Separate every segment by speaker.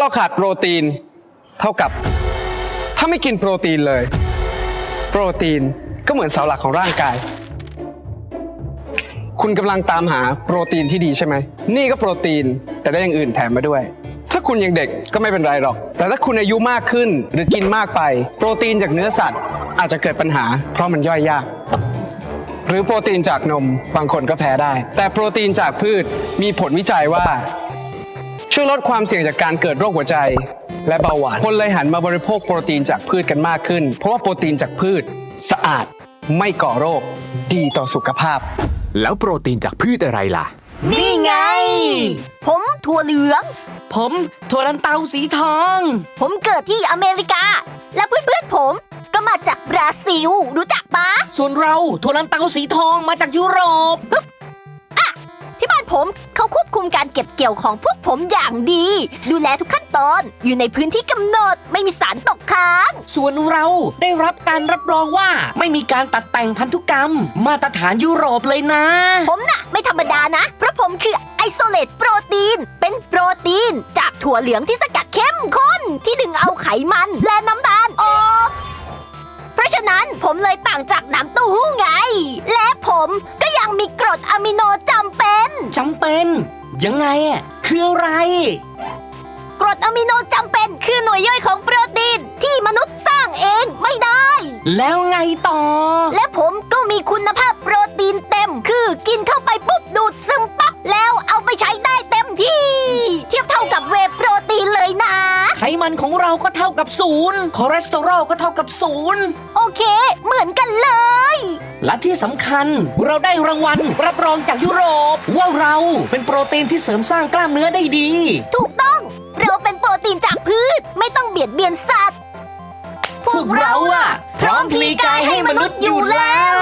Speaker 1: เราขาดโปรตีนเท่ากับถ้าไม่กินโปรตีนเลยโปรตีนก็เหมือนเสาหลักของร่างกายคุณกำลังตามหาโปรตีนที่ดีใช่ไหมนี่ก็โปรตีนแต่ได้อย่างอื่นแถมมาด้วยถ้าคุณยังเด็กก็ไม่เป็นไรหรอกแต่ถ้าคุณอายุมากขึ้นหรือกินมากไปโปรตีนจากเนื้อสัตว์อาจจะเกิดปัญหาเพราะมันย่อยยากหรือโปรตีนจากนมบางคนก็แพ้ได้แต่โปรตีนจากพืชมีผลวิจัยว่าช่วยลดความเสี่ยงจากการเกิดโรคหัวใจและเบาหวานคนเลยหันมาบริโภคโปรตีนจากพืชกันมากขึ้นเพราะว่าโปรตีนจากพืชสะอาดไม่ก่อโรคดีต่อสุขภาพ
Speaker 2: แล้วโปรตีนจากพืชอะไรล่ะ
Speaker 3: นี่ไงผมถั่วเหลือง
Speaker 4: ผมถั่วลันเตาสีทอง
Speaker 3: ผมเกิดที่อเมริกาและเพื่อนๆผมก็มาจากบราซิลรู้จักปะ
Speaker 4: ส่วนเราถั่วลันเตาสีทองมาจากยุโรป
Speaker 3: ที่บ้านผมเขาควบคุมการเก็บเกี่ยวของพวกผมอย่างดีดูแลทุกขั้นตอนอยู่ในพื้นที่กำหนดไม่มีสารตกค้าง
Speaker 4: ส่วนเราได้รับการรับรองว่าไม่มีการตัดแต่งพันธุกรรมมาตรฐานยุโรปเลยนะ
Speaker 3: ผมน่ะไม่ธรรมดานะเพราะผมคือไอโซเลตโปรตีนเป็นโปรตีนจากถั่วเหลืองที่สกัดเข้มข้นที่ดึงเอาไขมันและน้ำตาลออกเพราะฉะนั้นผมเลยต่างจากน้ำเต้าหู้ไงและผมก็ยังมีกรดอะมิโนจำเป็น
Speaker 4: ยังไงอ่ะคืออะไร
Speaker 3: กรดอะมิโนจำเป็นคือหน่วยย่อยของโปรตีนที่มนุษย์สร้างเองไม่ได้
Speaker 4: แล้วไงต่อ
Speaker 3: และผมก็มีคุณภาพโปรตีนเต็มคือกินเข้าไปปุ๊บดูดซึมปั๊บแล้วเอาไปใช้ได้เต็มที่เทียบเท่ากับเวย์โปรตีนเลยนะ
Speaker 4: ไขมันของเราก็เท่ากับ0คอเลสเตอรอลก็เท่ากับ0
Speaker 3: โอเคเหมือนกันเลย
Speaker 4: และที่สำคัญเราได้รางวัลรับรองจากยุโรปว่าเราเป็นโปรตีนที่เสริมสร้างกล้ามเนื้อได้ดี
Speaker 3: ถูกต้องเราเป็นโปรตีนจากพืชไม่ต้องเบียดเบียนสัตว์
Speaker 4: พวกเราอะพร้อมพลีกายให้มนุษย์อยู่แล้ว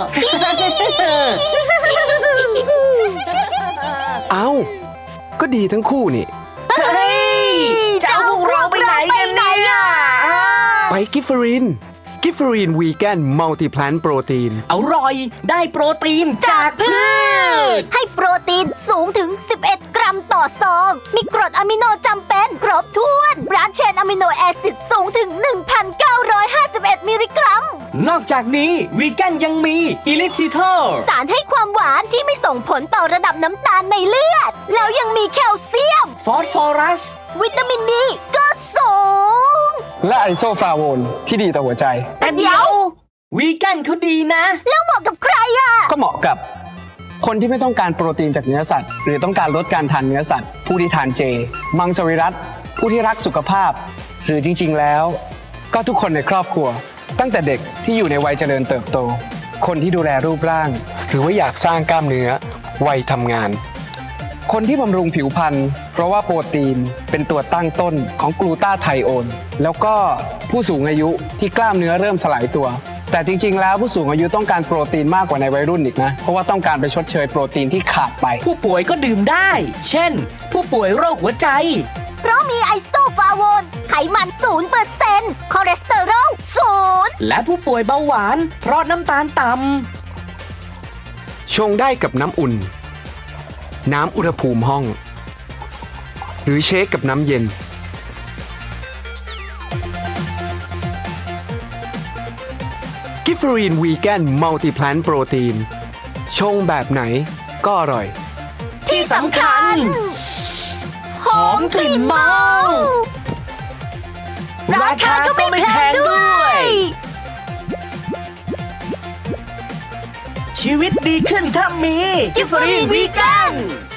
Speaker 1: เอ้าก็ดีทั้งคู่นี่
Speaker 4: เฮ้ยจะเอาพวกเราไปไหนกันเนี่ย
Speaker 1: ไปกิฟเฟอรีนวีแกนมัลติแพลนโปรตีน
Speaker 4: อร่อยได้โปรตีนจากพืช
Speaker 3: ให้โปรตีนสูงถึง11 กรัมต่อซองมีกรดอะมิโนจำเป็นครบถ้วนบรานช์เชนอะมิโนแอซิดสูงถึง 1,951 มิลลิกรัม
Speaker 4: นอกจากนี้วีแกนยังมีอิลิทิทอล
Speaker 3: สารให้ความหวานที่ไม่ส่งผลต่อระดับน้ำตาลในเลือดแล้วยังมีแคลเซียม
Speaker 4: ฟอสฟอรัส
Speaker 3: วิตามินดีก็สูง
Speaker 1: และไอโซฟลาโวนที่ดีต่อหัวใจ
Speaker 4: แต่เดี๋ยววีแกนเขาดีนะ
Speaker 3: แล้วเหมาะกับใครอ่ะ
Speaker 1: ก็เหมาะกับคนที่ไม่ต้องการโปรตีนจากเนื้อสัตว์หรือต้องการลดการทานเนื้อสัตว์ผู้ที่ทานเจมังสวิรัติผู้ที่รักสุขภาพหรือจริงๆแล้วก็ทุกคนในครอบครัวตั้งแต่เด็กที่อยู่ในวัยเจริญเติบโตคนที่ดูแลรูปร่างหรือว่าอยากสร้างกล้ามเนื้อวัยทำงานคนที่บำรุงผิวพรรณเพราะว่าโปรตีนเป็นตัวตั้งต้นของกลูตาไทโอนแล้วก็ผู้สูงอายุที่กล้ามเนื้อเริ่มสลายตัวแต่จริงๆแล้วผู้สูงอายุต้องการโปรตีนมากกว่าในวัยรุ่นอีกนะเพราะว่าต้องการไปชดเชยโปรตีนที่ขาดไป
Speaker 4: ผู้ป่วยก็ดื่มได้เช่นผู้ป่วยโรคหัวใจ
Speaker 3: เพราะมีไอโซฟลาโวนไขมัน 0% คอเลสเตอรอล 0
Speaker 4: และผู้ป่วยเบาหวานเพราะน้ำตาลต่ำ
Speaker 1: ชงได้กับน้ำอุ่นน้ำอุณหภูมิห้องหรือเชคกับน้ำเย็นกิฟเฟอรีนวีแกนมัลติแพลนโปรตีนชงแบบไหนก็อร่อย
Speaker 4: ที่สำคัญหอมกลิ่นเมาราคาก็ไม่แพงด้วยชีวิตดีขึ้นถ้ามีกิฟเฟอรีนวีแกน